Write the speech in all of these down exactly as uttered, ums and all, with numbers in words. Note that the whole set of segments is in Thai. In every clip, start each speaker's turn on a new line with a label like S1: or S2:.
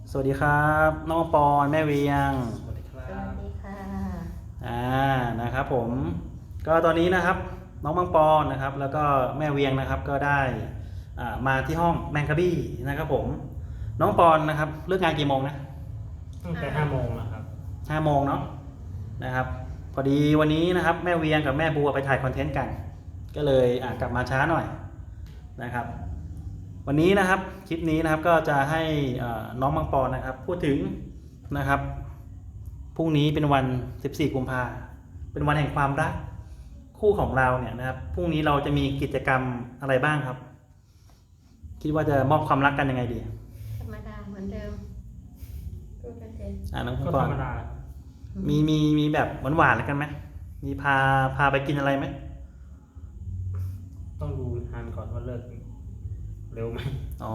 S1: สวัสดีครับน้องปอนแม่เวียง
S2: สวัสดีครั
S3: สวั
S2: บ
S3: สดีค่ะ
S1: อ่านะครับผมก็ตอนนี้นะครับน้องมังปอนนะครับแล้วก็แม่เวียงนะครับก็ได้อ่ามาที่ห้องแมงกะบี้นะครับผมน้องปอนนะครับเลิกงานกี่โมงนะ
S2: ตั้งแต่ห้าโมงนะครับ
S1: ห้าโมงเนาะนะครับพอดีวันนี้นะครับแม่เวียงกับแม่บัวไปถ่ายคอนเทนต์กันก็เลยอ่ากลับมาช้าหน่อยนะครับวันนี้นะครับคลิปนี้นะครับก็จะให้น้องมังปอนนะครับพูดถึงนะครับพรุ่งนี้เป็นวันสิบสี่กุมภาเป็นวันแห่งความรักคู่ของเราเนี่ยนะครับพรุ่งนี้เราจะมีกิจกรรมอะไรบ้างครับคิดว่าจะมอบความรักกันยังไงดี
S3: ธรรมดาเหมือนเดิมพูดกันเอง
S1: อ่าน้องมั
S2: ก็
S1: งปอ
S2: ธร
S1: น
S2: รมดา
S1: มีมีมีแบบหวานๆแล้วกันไหมมีพาพาไปกินอะไรไหม
S2: ต้องดูงานก่อนว่าเลิกเร็วไหม
S1: อ๋อก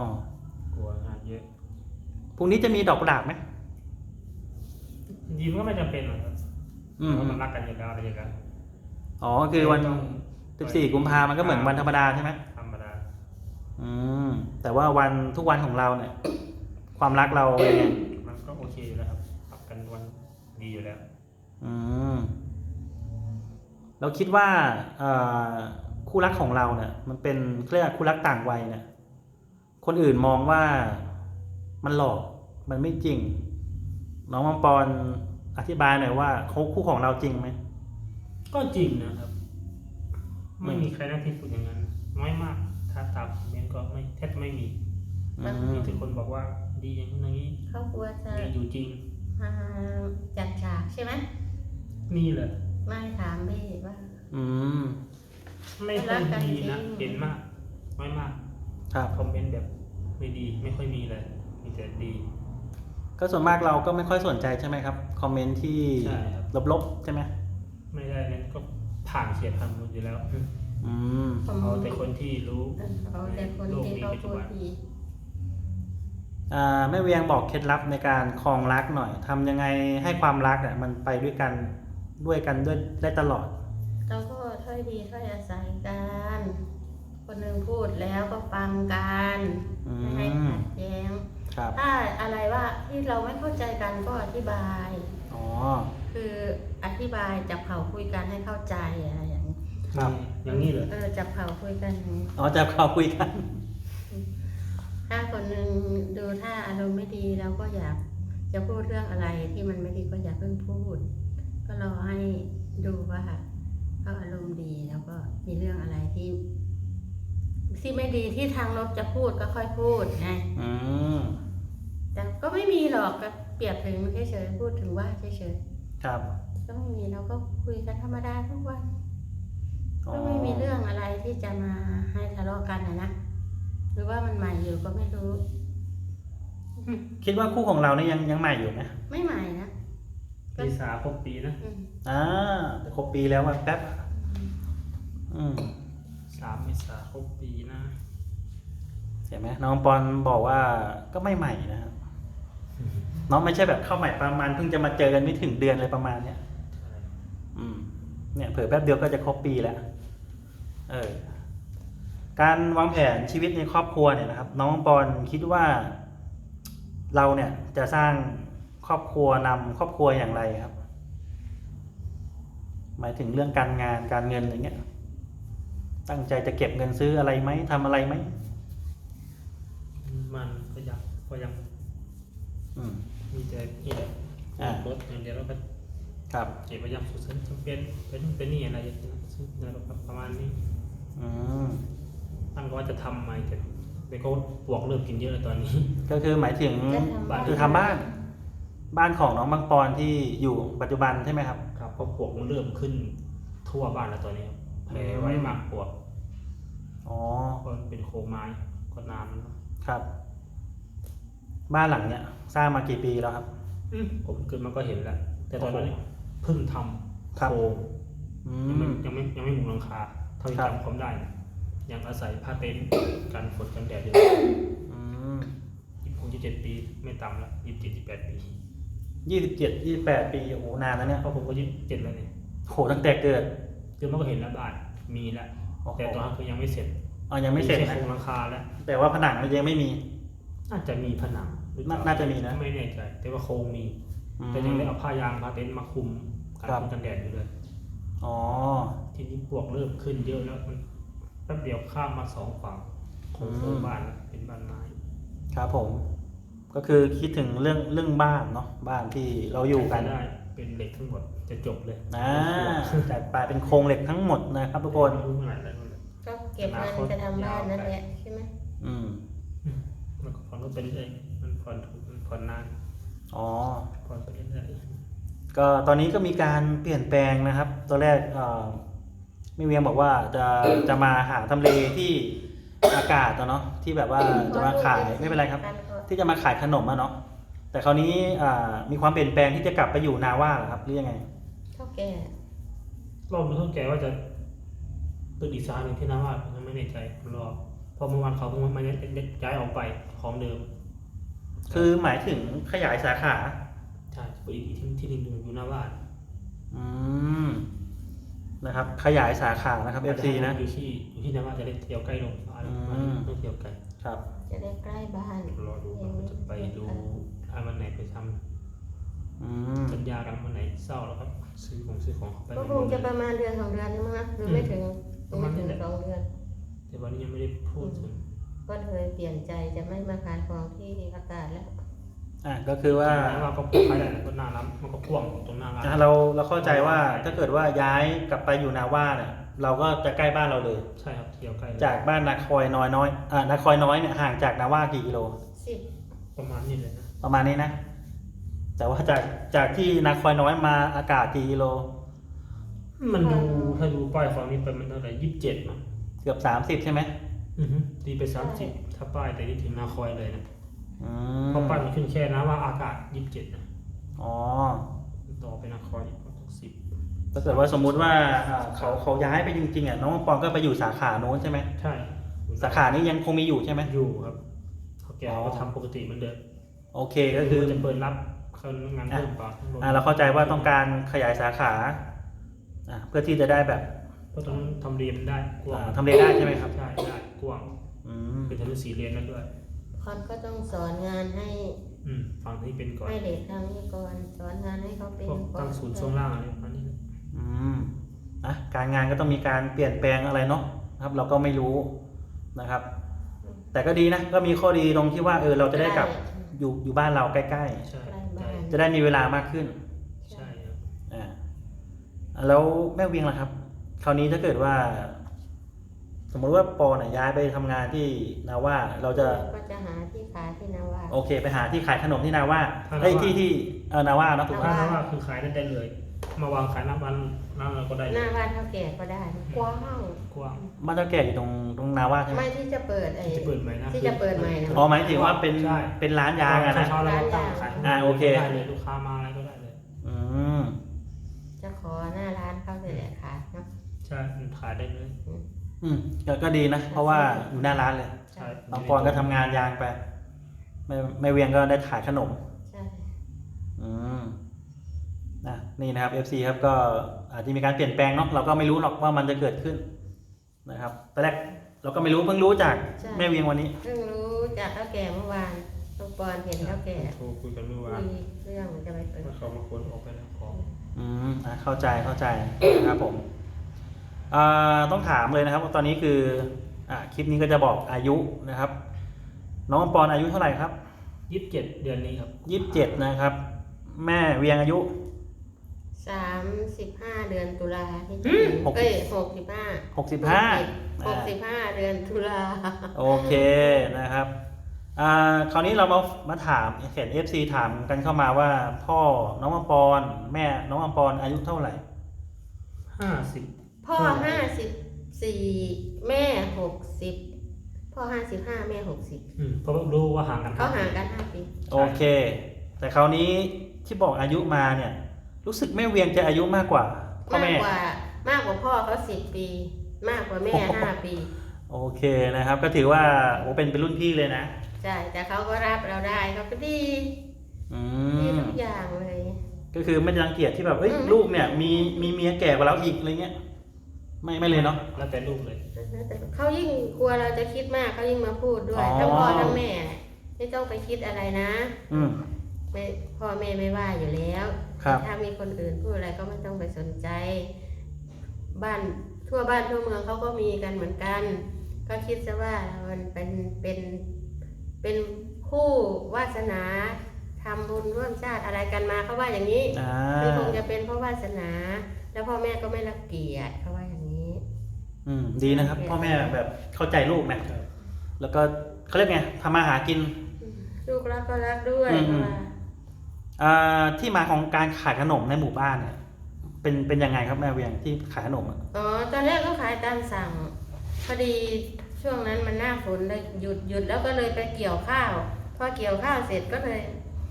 S2: ลัวงานเยอะ
S1: พรุ่งนี้จะมีดอกกุหลาบไหม
S2: จริงๆก็ไม่จำเป็นหรอกครับ
S1: อืม
S2: เพราะมันรักกันอยู่แล้วอะไรอย่างเงี้ย
S1: อ๋อคือวันสิบสี่กุมภามันก็เหมือนวันธรรมดาใช่ไหม
S2: ธรรมดา
S1: อืมแต่ว่าวันทุกวันของเราเนี่ย ความรักเราเป็นไง
S2: มันก็โอเคอยู่แล้วครับปรับกันวันดีอยู่แล้ว
S1: อืมเราคิดว่าเอ่อคู่รักของเราเนี่ย มันเป็นเรียกคู่รักต่างวัยเนี่ย คนอื่นมองว่ามันหลอกมันไม่จริง น้องมังปอนอธิบายหน่อยว่าเขาคู่ของเราจริงไหม
S2: ก็จริงนะครับ ไม่มีใครน่าที่พูดอย่างนั้นน้อยมากถ้าตามเมนก็ไม่แทบไม่มี
S1: อืม
S2: มีแต่คนบอกว่าดีอย่างนั้นอย่างนี้
S3: เขากลัวจะ
S2: ดีอยู่จริง
S3: มาจัดฉากใช่ไหม
S2: นี่แหละ
S3: ไม่ถามพี่ว่า
S1: อืม
S2: ไม่ค่อยดีนะเห็นมากน้อยมาก
S1: ครับ
S2: คอมเมนต์แบบไม่ดีไม่ค่อยมีเลยมีแต่ดี
S1: ก็ส่วนมากเราก็ไม่ค่อยสนใจใช่ไหมครับคอมเมนต์ที่
S2: ใช่ครับ
S1: ลบๆใช่ไหม
S2: ไม่ได้นั้นก็ผ่านเสียผ่านหมดอยู่แล้ว
S1: อืม
S2: เอาแต่คนที่รู้
S3: เอาแต่คนที่เขาพูดดี
S1: อ่าแม่เวียงบอกเคล็ดลับในการครองรักหน่อยทำยังไงให้ความรักเนี่ยมันไปด้วยกันด้วยกันด้วยได้ตลอด
S3: เราก็ถ้อยดีถ้อยอาศัยกันคนหนึ่งพูดแล้วก็ฟังกันไม่ให้ขัดแย้งถ้าอะไรว่าที่เราไม่เข้าใจกันก็อธิบาย
S1: อ๋อ
S3: คืออธิบายจับเข่าคุยกันให้เข้าใจอะไรอย่างนี้
S1: ครับ
S2: อย่างนี้เลย
S3: เออจับเข่าคุยกันอย่างนี้
S1: อ๋อจับเขาคุยกัน
S3: ถ้าคนหนึ่งดูถ้าอารมณ์ไม่ดีเราก็อยากจะพูดเรื่องอะไรที่มันไม่ดีก็อย่าเพิ่งพูดก็รอให้ดูว่าเขาอารมณ์ดีแล้วก็มีเรื่องอะไรที่ที่ไม่ดีที่ทางลบจะพูดก็ค่อยพูดไง
S1: อืม
S3: แต่ก็ไม่มีหรอกก็เปรียบถึงเฉยๆพูดถึงว่าเฉย
S1: ๆครับ
S3: ก็ไม่มีเราก็คุยกันธรรมดาทุกวันก็ไม่มีเรื่องอะไรที่จะมาให้ทะเลาะกันนะนะหรือว่ามันใหม่อยู่ก็ไม่รู้
S1: คิดว่าคู่ของเราเนี่ยยังยังใหม่อยู่ไหม
S3: ไม่ใหม่นะ
S2: ปีสาครบปีนะ
S1: อ่าครบปีแล้ววันแป๊บอืม
S2: สามเมษาครบปีนะ
S1: เห็นไหมน้องปอนบอกว่าก็ไม่ใหม่นะครับน้องไม่ใช่แบบเข้าใหม่ประมาณเพิ่งจะมาเจอกันไม่ถึงเดือนอะไรประมาณเนี้ยอืมเนี่ยเผื่อแป๊บเดียวก็จะครบปีแล้วเออการวางแผนชีวิตในครอบครัวเนี่ยนะครับน้องปอนคิดว่าเราเนี่ยจะสร้างครอบครัวนำครอบครัวอย่างไรครับหมายถึงเรื่องการงานการเงินอะไรเงี้ยตั้งใจจะเก็บเงินซื้ออะไรไหมทำอะไรไหม
S2: มันก็ยังก็ยังมีแต่นี่แหละรถอย่างเดียวแล้วก็
S1: ครับ
S2: เก็บไว้ยังสุดจำเป็นเป็นเป็นนี่อะไรอย่างเงี้ยประมาณนี้ตั้งว่าจะทำใหม่แต่ไปก็ปวกเริ่มกินเยอะเลยตอนนี้
S1: ก็คือหมายถึงคือทำบ้านบ้านของน้องบางปอนที่อยู่ปัจจุบันใช่ไหมครับ
S2: ครับเพราะปวกมันเริ่มขึ้นทั่วบ้านแล้วตอนนี้แผลไว้มากปวก
S1: อ๋อ
S2: ก็เป็นโครงไม้ก็นานแล้ว
S1: ครับบ้านหลังเนี้ยสร้างมากี่ปีแล้วครับ
S2: ผมเกิดมาก็เห็นแล้วแต่ตอนนั้นเพิ่งทำโครงยังไม่ยังไม่ยังไม่มุงหลังคาเท่าที่จำความได้ยังอาศัยผ้าเต็นท์กันฝนกันแดดอยู่ยี่สิบหกยี่สิบเจ็ดปีไม่ต่ำแล้วยี่สิบเจ็ดยี่สิบแปดปี
S1: ยี่สิบเจ็ดยี่สิบแปดปีโอ้โหนานแล้วเนี่ย
S2: เพราะผมก็ยี่สิบเจ็ดแล้วเนี่ย
S1: โหตั้งแต่เกิด
S2: เกิดมาก็เห็นแล้วบ้านมีแล้วแต่ตอนนั้นคือยังไม่เสร็จ
S1: อ๋อยังไม่เสร็จ
S2: โครงหลังคาแล้ว
S1: แต่ว่าผนังมันยังไม่มี
S2: น่าจะมีผนังรือ
S1: น่า
S2: เปล่
S1: น่าจะมีนะ
S2: ไม่แน่ใจแต่ว่าโครงมี
S1: อืม
S2: แต่ยังได้เอาผ้ายางผ้าเต็นท์มาคุมกัน
S1: ครับ
S2: ฝนกันแดดอยู่เลย
S1: อ๋อ
S2: ทีนี้ปลวกเริ่มขึ้นเยอะแล้วมันแป๊บเดียวข้ามมาสองฝั่งของโซนบ้านแล้วเป็นบ้านไม้
S1: ครับผม ก็คือคิดถึงเรื่องเรื่องบ้านเนาะบ้านที่เราอยู่กัน
S2: ได้เป็นเหล็กทั้งหมดจะจบเลย
S1: อ่าจัดไปเป็นโครงเหล็กทั้งหมดนะครับทุกคน
S2: ไม่รู้เมื่อไหร่แล้วนั่นแหละ
S3: ก็เก็บเงินจะทำบ้านนั่นแหละใช่ไหม
S1: อืม
S2: อืมมันก็ผ่อนรถไปเรื่อยๆมันผ่อนถูกมันผ่อนนาน
S1: อ๋อ
S2: ผ่อนไปเรื่อย
S1: ก็ตอนนี้ก็มีการเปลี่ยนแปลงนะครับตอนแรกเอ่อไม่เวียงบอกว่าจะจะมาหาทำเลที่อากาศอะเนาะที่แบบว่าจะมาขายไม่เป็นไรครับ ที่จะมาขายขนมอะเนาะแต่คราวนี้อ่ามีความเปลี่ยนแปลงที่จะกลับไปอยู่นาว่าเหรอครับหรือยังไง
S3: เท่าแก่
S2: ๆรอบนี้เท่าแก่ว่าจะตึกอีกซาหนึ่งที่น้ำว่าผมยังไม่แน่ใจรอเพอเมื่อวานเขาเพิ่งมาย้ายออกไปของเดิม
S1: คือหมายถึงขยายสาขา
S2: ใช่เปิดอีกที่ที่หนึ่งอยู่หน้าบ้าน
S1: อืมนะครับ ขยายสาขานะครับ เอฟ ซี นะ
S2: อยู่ที่อยู่ที่หน้าบ้านจะได้เที่ยวใกล้โรงพยาบาล
S1: อืม
S2: ต้องเที่ยวไกล
S1: ครับ
S3: จะได้ใกล้บ้าน
S2: รอดูว่าจะไปดูถ้าวันไหนไปท
S1: อืม
S2: ำสัญญากันวันไหนเศร้าแล้วครับซื้อของซื้อของไป
S3: ก็คงจะประมาณเดือนสองเดือนนี่มั้งนะหรือไม่ถึงไม่ถึงสองเดือน
S2: แต่วันนี้ยังไม่ได้พูดถึง
S3: ก็เลยเปลี่ยนใจจะไม่มาขายของที่อากาศแล้ว
S1: อ่ะก็คือว่า
S2: ว่าก็ขายได้ก็หน้าร้านมันก็พ่วงตรงหน้าร้าน
S1: อ่ะเราเราเข้าใจว่าถ้าเกิดว่าย้ายกลับไปอยู่นาว่าเนี่ยเราก็จะใกล้บ้านเราเลย
S2: ใช่ครับเที่ยวใกล้
S1: จากบ้านนาคอยน้อยน้อยอ่านาคอยน้อยเนี่ยห่างจากนาว่ากี่กิโล
S3: สิบ
S2: ประมาณนี้เลยนะ
S1: ประมาณนี้นะ แต่ว่าจากจากที่นาคอยน้อยมาอากาศกี่กิโล
S2: มันดูถ้าดูป้ายฝั่งนี้ไปมันเท่าไหร่ยี่สิบเจ็ดมั้ง
S1: เกือบสามสิบใช่ไหม
S2: อือฮึตีไปสามสิบถ้าป้ายแต่นี่ถึงนาคอยเลยนะ
S1: อืม
S2: เพราะป้ายมันขึ้นแค่นะว่าอากาศยี่สิบเจ็ดนะ
S1: อ๋อ
S2: ต่อไปนาคอยอีกประมาณสิบ
S1: ถ้าเกิดว่าสมมุติว่าอ่าเขาเขาย้ายไปจริงๆอ่ะน้องปองก็ไปอยู่สาขาโน้นใช่ไหม
S2: ใช่
S1: สาขานี้ยังคงมีอยู่ใช่ไหม
S2: อยู่ครับเขาแก
S1: อ๋อ
S2: ก็ทำปกติเหมือนเดิม
S1: โอเคก็คือ
S2: จะเปิดรับคนงานเพิ่มเปล่า
S1: อ่าเราเข้าใจว่าต้องการขยายสาขาอ่าเพื่อที่จะได้แบบ
S2: เพราะต้องทำเรียนได้กว้าง
S1: อ่าทำเลได้ใช่ไหมครับ
S2: ใช่ได้กว้าง
S1: อืม
S2: เป็นถนนสี่เลนแล้วด้วย
S3: คอนก็ต้องสอนงานให้
S2: อืมฝั่งนี้เป็นก่อน
S3: ให้เด็กทางนี้ก่อนสอนงานให้เขาเป็น
S2: พวก
S3: ก่อ
S2: ตั้
S3: น
S2: งศูนย์ช่วงล่างอะไรประมาณนี้นะ
S1: อืมนะการงานก็ต้องมีการเปลี่ยนแปลงอะไรเนาะนะครับ เราก็ไม่รู้นะครับ แต่ก็ดีนะก็มีข้อดีตรงที่ว่าเออเราจะได้กลับอยู่อยู่บ้านเราใกล้
S2: ใช่
S3: ใกล้
S2: ใช่
S3: บ้าน
S1: ๆ จะได้มีเวลามากขึ้น
S2: ใช่ครับ
S1: อ่าแล้วแม่เวียงล่ะครับ คราวนี้ถ้าเกิดว่า สมมติว่าปอเนี่ยย้ายไปทำงานที่นาว่าเราจะ
S3: ก็จะหาที่ขายที่นาว่า
S1: โอเค ไปหาที่ขายขนมที่นาว่าเอ้ยที่ที่เออนาว่าเนาะถูกไหม
S2: ถ้าว่าคือขายได้ได้เลย มาวางขายหน้าบ้านหน้าเราก็ได้
S3: ห
S2: เล
S3: น้าย บ้านเท่าแก่ก็ได้กว้าง
S2: กว้าง
S1: บ้านเจ้าแก่อยู่ตรงตรงนาว่าใช่ไหม
S3: ไม่ที่จะเปิดไอ้
S2: ที่จะเปิดใหม่นะ
S3: ที่จะเปิดใหม่นะ
S1: อ๋อหมายถึงว่าเป็น
S2: ใช่
S1: เป็นร้านยางอะนะ
S2: เช้าๆเราก็ตั้งขาย
S1: อ่าโอเค
S2: ได้เลยลูกค้ามาอะไรก็ได้เลย
S1: อืม
S3: จะขอหน้าร้านเขาเลยแหละขายเนาะ
S2: ใช่มันขายได้เลย
S1: อืมก็ก็ดีนะ เพราะว่าอยู่หน้าร้านเลย
S2: ใช่
S1: บางปอนก็ทำงานยางไปไม่ไม่เวียงก็ได้ขายขนม
S3: ใช่
S1: อืมนะนี่นะครับ เอฟ ซี ครับก็อาจจะมีการเปลี่ยนแปลงเนาะเราก็ไม่รู้หรอกว่ามันจะเกิดขึ้นนะครับตอนแรกเราก็ไม่รู้เพิ่งรู้จากแม่เวียงวันนี้
S3: เพิ่งรู้จากเท่าแก่เมื่อวานลูกปอนเห็นเท่าแก่
S2: โทรคุยกันเมื่อวา
S3: คุ
S2: น
S3: ยเรื่องจะไปเปิด
S2: ว่าเขามาคนออกไปแล้วของ
S1: อืมอ่ะเข้าใจเข้าใจนะครับผมอ่าต้องถามเลยนะครับว่าตอนนี้คืออ่าคลิปนี้ก็จะบอกอายุนะครับ น้องปอนอายุเท่าไหร่ครับ
S2: ยี่สิบเจ็ดเดือนนี้ครับ
S1: ยี่สิบเจ็ดนะครับ แม่เวียงอายุ
S3: สามสิบห้าเดือนตุลาที่จะถึง
S1: หกสิบ
S3: เอ้ยหกสิบห้า
S1: หกสิบห้า
S3: หกสิบห้าเดือนตุลา
S1: โอเคนะครับอ่าคราวนี้เรามามาถามเห็น เอฟ ซี ถามกันเข้ามาว่าพ่อน้องอัมปอนแม่น้องอัมปอนอายุเท่าไหร่
S2: ห้าสิบ
S3: พ่อห้าสิบสี่แม่หกสิบพ่อห้าสิบห้าแม่หกสิบ
S2: อืมเพราะรู้ว่าห่างกัน
S3: เขาห่างกันห้าปี
S1: โอเค แต่คราวนี้ที่บอกอายุมาเนี่ย รู้สึกแม่เวียงจะอายุมากกว่าพ่อ
S3: มาก
S1: แม่
S3: กว่ามากกว่าพ่อเขาสิบปี มากกว่าแม่ห้าปี
S1: โอเคนะครับ ก็ถือว่าโอ้เป็นเป็นรุ่นพี่เลยนะ
S3: ใช่แต่เขาก็รับเราได้เขาก็ดี
S1: อื
S3: ดี
S1: ม
S3: ทุกอย่างเลย
S1: ก็คือไม่รังเกียจที่แบบเอ้ย
S3: อืม
S1: ลูกเนี่ย มีมีเมียแก่กว่าเราอีกอะไรเงี้ยไม่ไม่เลยเนาะ
S2: แล้วแต่ลูกเลย
S3: เขายิ่งกลัวเราจะคิดมากเขายิ่งมาพูดด้วย
S1: อ๋อ
S3: ทั้งพ่อทั้งแม่
S1: อ
S3: ไม่ต้องไปคิดอะไรนะ
S1: อืม
S3: ไม่พ่อแม่ไม่ว่าอยู่แล้ว
S1: ครับ
S3: ถ้ามีคนอื่นพูดอะไรก็ไม่ต้องไปสนใจ บ้านทั่วบ้านทั่วเมืองเขาก็มีกันเหมือนกัน ก็คิดซะว่ามันเป็นเป็นเป็นคู่วาสนาทำบุญร่วมชาติอะไรกันมาเขาว่าอย่างนี้
S1: อ่า
S3: คือคงจะเป็นเพราะวาสนา แล้วพ่อแม่ก็ไม่รังเกียจเขาว่าอย่างนี้
S1: อืมดีนะครับ พ่อแม่แบบเข้าใจลูกนะแล้วก็เขาเรียกไงทำมาหากิน
S3: ลูกรักก็รักด้วย
S1: อืม
S3: เพราะว่า
S1: อ่าที่มาของการขายขนมในหมู่บ้านเนี่ย เป็นเป็นยังไงครับแม่เวียงที่ขายขนมอะ
S3: อ๋อตอนแรกก็ขายตามสั่งพอดีช่วงนั้นมันหน้าฝนเลยหยุดหยุดแล้วก็เลยไปเกี่ยวข้าวพอเกี่ยวข้าวเสร็จก็เลย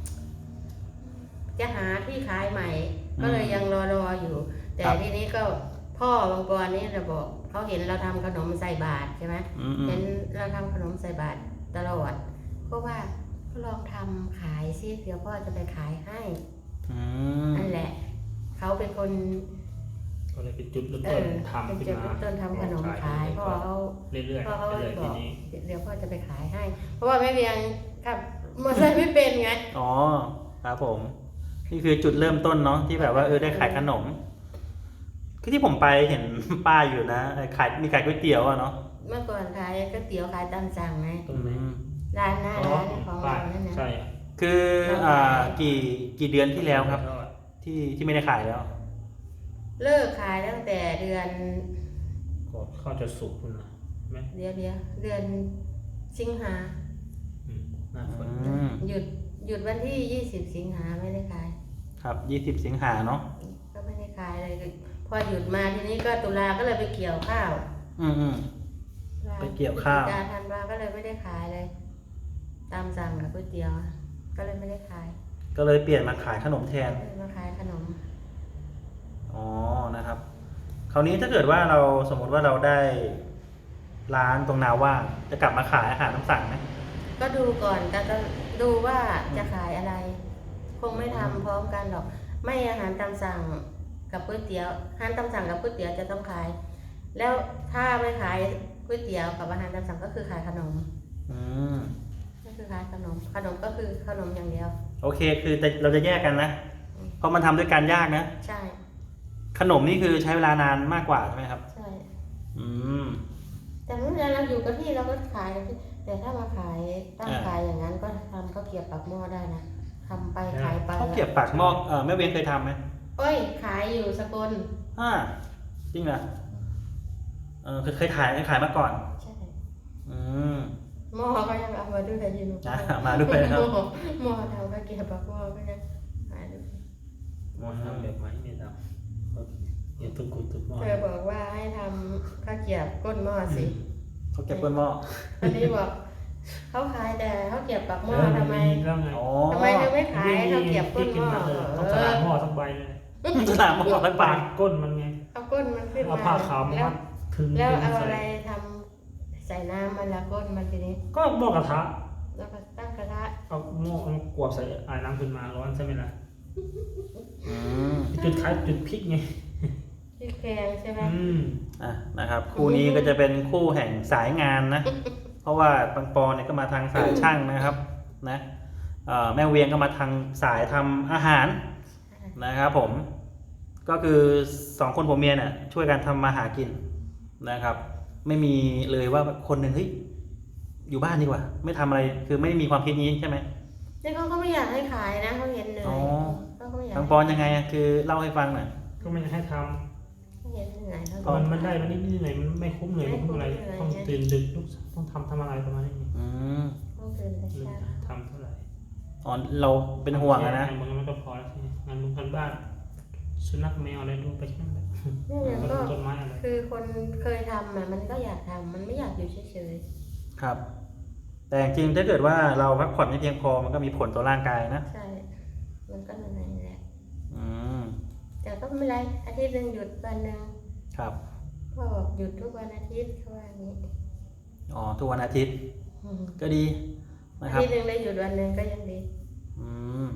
S3: จะหาที่ขายใหม่ ก็เลยยังรอรออยู่ แต่ทีนี้ก็พ่อบางปอนนี่เราบอกเขาเห็นเราทำขนมใส่บาตรใช่ไหม
S1: อืมอืม
S3: เห็นเราทำขนมใส่บาตรตลอดก็ว่าก็ลองทำขายซิเดี๋ยวพ่อจะไปขายให้
S1: อืม
S3: นั่นแหละเขาเป็นคน
S2: ก็เลยเป็นจุดเริ่ม
S3: เอ
S2: ต้น
S3: อ
S2: ทำ
S3: เป็น
S2: ขึ้น
S3: จุด
S2: มา
S3: เริ่มต้นทำขนมขายพ่อเขา
S2: เรื่อยๆ
S3: พ่อเขา
S2: เรื่อยๆ
S3: บ
S2: ที
S3: อก
S2: นี้
S3: เดี๋ยวพ่อจะไปขายให้ เพราะว่าแม่เวียงขับมอเตอร์ไซค์ไม่เป็นไง
S1: อ๋อครับผม นี่คือจุดเริ่มต้นเนาะที่แบบว่าเออได้ขายขนม คือที่ผมไปเห็น ป้ายอยู่นะเออขายมีขายก๋วยเตี๋ยวอะเนาะ
S3: เมื่อก่อนขายก๋วยเตี๋ยวขายตามสั่งไง
S2: ตรงไหน
S1: อืม
S3: ร้านหน้า
S2: อ๋อ
S3: ร้านของเรานั่นนะ
S2: ใช่อะ
S1: คืออ่ากี่กี่เดือนที่แล้วครับ ที่ที่ไม่ได้ขายแล้ว
S3: เลิกขายตั้งแต่เดือน
S2: ก็เข้าจะสุกคุณนะไหม
S3: เดียวเดียวเดือนสิงหา
S2: อืมหน้าฝน
S1: อืม
S3: หยุดหยุดวันที่ยี่สิบสิงหาไม่ได้ขาย
S1: ครับยี่สิบสิงหาเนาะ
S3: ก็ไม่ได้ขายเลย พอหยุดมาทีนี้ก็ตุลาก็เลยไปเกี่ยวข้าว
S1: อืมอืม ไปเกี่ยวข้าว
S3: พฤศจิกาธันวาก็เลยไม่ได้ขายเลย ตามสั่งกับก๋วยเตี๋ยว ก็เลยไม่ได้ขาย
S1: ก็เลยเปลี่ยนมาขายขนมแทน
S3: เลยมาขายขนม
S1: อ๋อ นะครับ คราวนี้ถ้าเกิดว่าเราสมมติว่าเราได้ร้านตรงนาว่างจะกลับมาขายอาหารตามสั่งไหม
S3: ก็ดูก่อนก็จะดูว่าจะขายอะไร คงไม่ทำพร้อมกันหรอก ไม่อาหารตามสั่งกับก๋วยเตี๋ยวอาหารตามสั่งกับก๋วยเตี๋ยวจะต้องขาย แล้วถ้าไม่ขายก๋วยเตี๋ยวกับอาหารตามสั่งก็คือขายขนม
S1: อืม
S3: ก็คือขายขนม ขนมก็คือขนมอย่างเดียว
S1: โอเค คือแต่เราจะแยกกันนะ เพราะมันทำด้วยการยากนะ
S3: ใช่
S1: ขนมนี่คือใช้เวลานานมากกว่าใช่ไหมครับ
S3: ใช่
S1: อืม
S3: แต่เมื่อเราอยู่กับที่เราก็ขายที่แต่ถ้ามาขายตั้ง
S1: อ่า
S3: ขายอย่างนั้นก็ทำข้าวเกรี๊ยวปากหม้อได้นะทำไปขายไป
S1: ข้าวเกรี๊ยวปากหม้อเออแม่เวียนเคยทำไหม
S3: โอ้ยขายอยู่สกล
S1: อ่าจริงเหรอเออเคยเคยถ่ายเคยขายมาก่อน
S3: ใช่
S1: อืม
S3: หม้อก็ยังเอามาด้วยแต่ยิน
S1: อ่ะมาด้วยนะครับ
S3: หม้อหม้อทำข้าวเกรี๊ยวปากหม้อก็ยังขายด้วย
S2: หมอทำแบบไหมไม่ทำโอเคเดี๋ยวตุ้งกุดตุ้งหม้อ
S3: เธอบอกว่าให้ทำข้าวเกรี๊ยวก้นหม้อสิ
S1: เขาเก็บก้นหม้อ
S3: อันนี้บอกเขาขายแต่ข้าวเกรี๊ยวปากหม้อทำไม
S2: แล้วไง
S1: อ๋อ
S3: ทำไมเธอไม่ขายข้าวเกรี๊ยวก้นหม้อ
S2: ต้องสลามหม้อสักใบเลย
S1: สนามหม้อทั้งปา
S2: ปาก ดก้นมันไง
S3: เอาก้นมันขึ้น
S2: เอา
S3: มา
S2: ผ้าขาวมา
S3: แล้ว
S2: มัดถึง
S3: แล้วเอา
S2: ใส่
S3: อะไรทำใส่น้ำมันละก้นมันทีนี้
S2: ก็หม้อกระทะ
S3: แล้วก็ตั้งกระทะ
S2: เอาหม้อเอากวบใส่ไอ้น้ำขึ้นมาร้อนใช่ไหมล่ะ
S1: อืม
S2: จุดขายจุดพริกไง
S3: ที่แกงใช่ไหม
S2: อืม
S1: อ่ะนะครับ คู่นี้ก็จะเป็นคู่แห่งสายงานนะ เพราะว่าปังปอเนี่ยก็มาทางสายช่างนะครับ นะเอ่อแม่เวียงก็มาทางสายทำอาหารนะครับผม ก็คือสองคนผัวเมียเนี่ยช่วยกันทำมาหากินนะครับ ไม่มีเลยว่าคนหนึ่งเฮ้ยอยู่บ้านดีกว่า ไม่ทำอะไรคือไม่มีความคิดนี้ใช่ไหม
S3: แต่เขาก็ไม่อยากให้ขายนะเขาเห็นเหนื่อ
S1: อ๋อย
S3: เขาก็ไม่อยาก
S1: ปังปอนยังไงอะคือเล่าให้ฟังหน่อย
S2: ก็ไม่ให้ท
S3: เขาเห็นเหนื่อยเขา
S2: ำ
S3: ก็
S2: มันมันได้มันนิดๆหน่อยๆมันไม่คุ้มเลยไม่คุ้มอะไรต้องตื่นดึกลุกต้องทำทำอะไรประมาณนี้
S1: อืม
S3: ต้องตื่นแต่เช้า
S2: ทำเท่าไหร่
S1: อ๋อเราเป็นห่วงอะนะ
S2: มันมันก็พอแล้วใช่ไหมงานลุงกันบ้านสุนัขแมวอะไรดูไปแค่นั้นแหละ
S3: แม่ยังก็
S2: ต้นไม้อะไร
S3: คือคนเคยทำอ่ะมันก็อยากทำมันไม่อยากอยู่เฉย
S1: ครับ แต่จริงๆถ้าเกิดว่าเราพักผ่อนไม่เพียงพอมันก็มีผลต่อร่างกายนะ
S3: ๆใช่ มันก็เหนื่อยแหละ
S1: อืม
S3: แต่ก็ไม่เป็นไรอาทิตย์หนึ่งหยุดวันหนึ่ง
S1: ครับ
S3: พ่อบอกหยุดทุกวันอาทิตย์เขาว่าอย่างนี้
S1: อ๋อทุกวันอาทิตย์
S3: อืม
S1: ก็ดีนะ
S3: อา
S1: ครับ
S3: ทิตย์หนึ่งได้หยุดวันหนึ่งก็ยังดี
S1: อืม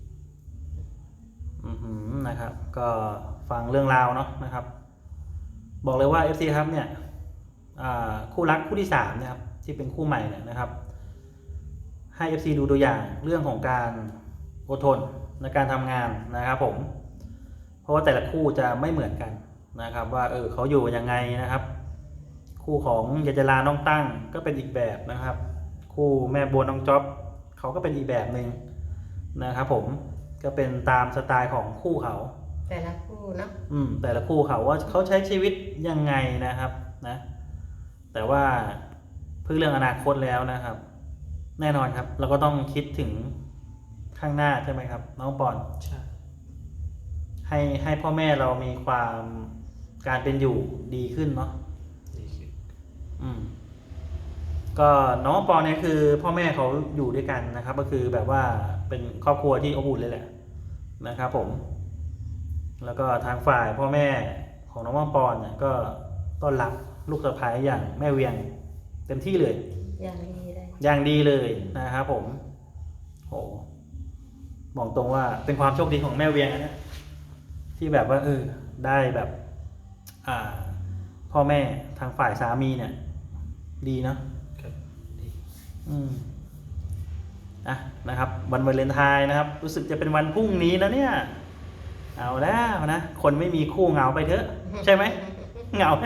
S1: อืมนะครับ ก็ฟังเรื่องราวเนาะนะครับ บอกเลยว่า เอฟ ซี ครับเนี่ยอ่าคู่รักคู่ที่สามนะครับ ที่เป็นคู่ใหม่เนี่ยนะครับ หให้ เอฟ ซี ดูตัวอย่างเรื่องของการอดทนในการทำงานนะครับผมเพราะว่าแต่ละคู่จะไม่เหมือนกันนะครับว่าเออเขาอยู่ยังไงนะครับ คู่ของยายจราน้องตั้งก็เป็นอีกแบบนะครับ คู่แม่บัวน้องจ๊อบเขาก็เป็นอีกแบบหนึ่งนะครับผมก็เป็นตามสไตล์ของคู่เขา
S3: แต่ละคู่เนาะ
S1: อืมแต่ละคู่เขาว่าเขาใช้ชีวิตยังไงนะครับนะแต่ว่าเพื่อเรื่องอนาคตแล้วนะครับ แน่นอนครับ เราก็ต้องคิดถึงข้างหน้าใช่ไหมครับน้องปอน
S2: ใช่
S1: ให้ให้พ่อแม่เรามีความการเป็นอยู่ดีขึ้นเนาะ
S2: ดีขึ้น
S1: อืมก็น้องปอนเนี่ยคือพ่อแม่เขาอยู่ด้วยกันนะครับ ก็คือแบบว่าเป็นครอบครัวที่อบอุ่นเลยแหละนะครับผม แล้วก็ทางฝ่ายพ่อแม่ของน้องปอนเนี่ยก็ต้อนรับลูกสะใภ้อย่างแม่เวียงเต็มที่เลย
S3: อย่างดีเลย
S1: อย่างดีเลยนะครับผมโหบอกตรงว่าเป็นความโชคดีของแม่เวียงนะเนี่ยที่แบบว่าเออได้แบบ อ่า พ่อแม่ทางฝ่ายสามีเนี่ย ดีเนาะ
S2: ครับดี
S1: อืมอ่ะนะครับ วันวาเลนไทน์นะครับ รู้สึกจะเป็นวันพรุ่งนี้นะเนี่ย เอาแล้วนะคนไม่มีคู่เหงาไปเถอะใช่ไหมเหงาไหม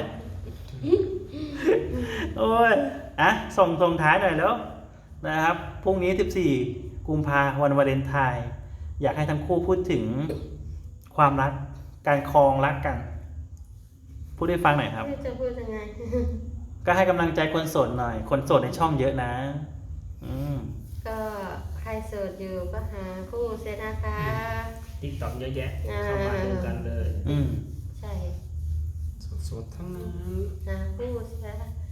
S1: โอ้ยอ่ะส่งส่งท้ายหน่อยแล้วนะครับพรุ่งนี้สิบสี่กุมภาพันธ์วันวาเลนไทน์อยากให้ทั้งคู่พูดถึงความรักการครองรักกัน พูดให้ฟังหน่อยครับ
S3: ไม่จะพูดยังไง
S1: ก็ให้กำลังใจคนโสดหน่อย คนโสดในช่องเยอะนะ อืม
S3: ก็ใครโสดอยู่ก็หาคู่เสียนะคะ
S2: ติ๊กต็อกเยอะแยะ
S3: อ่า
S2: เข้ามาดูกันเลย
S1: อืม
S3: ใช่
S2: สดๆทั้งนั้น
S3: หาคู่เสีย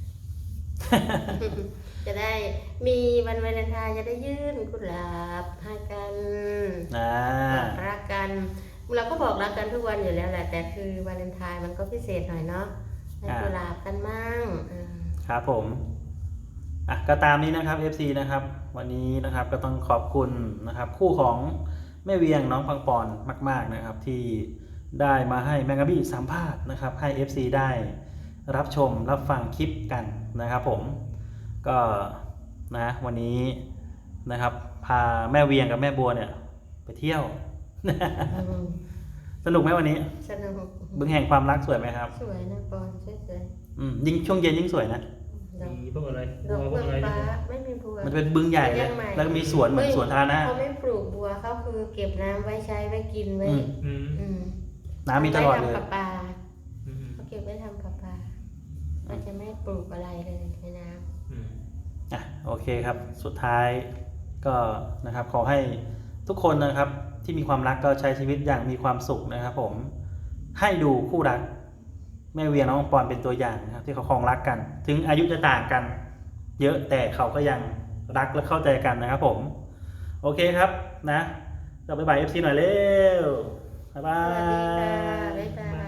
S3: จะได้มีวันวาเลนไทน์จะได้ยื่นกุหลาบให้กัน
S1: อ่า
S3: บอกรักกันเราก็บอกรักกันทุกวันอยู่แล้วแหละแต่คือวาเลนไทน์มันก็พิเศษหน่อยเนาะให้กุหลาบกันมั่งอ่า
S1: ครับผมอ่ะก็ตามนี้นะครับ เอฟ ซี นะครับ วันนี้นะครับก็ต้องขอบคุณนะครับ คู่ของแม่เวียงน้องปังปอนมาก ๆนะครับ ที่ได้มาให้แมงกะบี้สัมภาษณ์นะครับ ให้ เอฟ ซี ได้รับชมรับฟังคลิปกันนะครับผมก็นะวันนี้นะครับ พาแม่เวียงกับแม่บัวเนี่ย ไปเที่ยว
S3: อืม
S1: สนุกไหมวันนี้
S3: สนุก
S1: บึงแห่งความรักสวยไหมครับ
S3: สวยนะปอนสวย
S1: อืมยิ่งช่วงเย็นยิ่งสวยนะ
S3: ๆดอก
S2: มีพวกอะไร
S3: ดอก
S2: บัวพ
S3: เบื
S2: ว
S3: อก ง
S2: อะไร
S3: ฟ้า
S2: เนี่ย
S3: ไม่มีบัว
S1: มันเป็นบึงใหญ่เลย
S3: ยังใหม่
S1: แล้วก็มีสวนเหมือนสวนธารณะ
S3: เขาไม่ปลูกบัวเขาคือเก็บน้ำไว้ใช้ไว้กินไว้
S1: อืม
S2: อืม
S3: อืม
S1: น้ำมีตลอดเลย
S3: ไว้ทำประปา
S2: อืม
S3: เขาเก็บไว้ทำประปาเขาจะไม่ปลูกอะไรเลยในน้
S2: อืม
S1: อ่ะโอเคครับ สุดท้ายก็นะครับขอให้ทุกคนนะครับที่มีความรักก็ใช้ชีวิตอย่างมีความสุขนะครับผมให้ดูคู่รักแม่เวียน้องปอนเป็นตัวอย่างนะครับที่เขาครองรักกัน ถึงอายุจะต่างกัน เยอะแต่เขาก็ยังรักและเข้าใจกันนะครับผมโอเคครับนะก็บ๊ายบาย เอฟ ซี หน่อยเร็วบ๊ายบา
S3: ำสวัสดีค่ะ
S1: ย
S3: บ๊ายบาย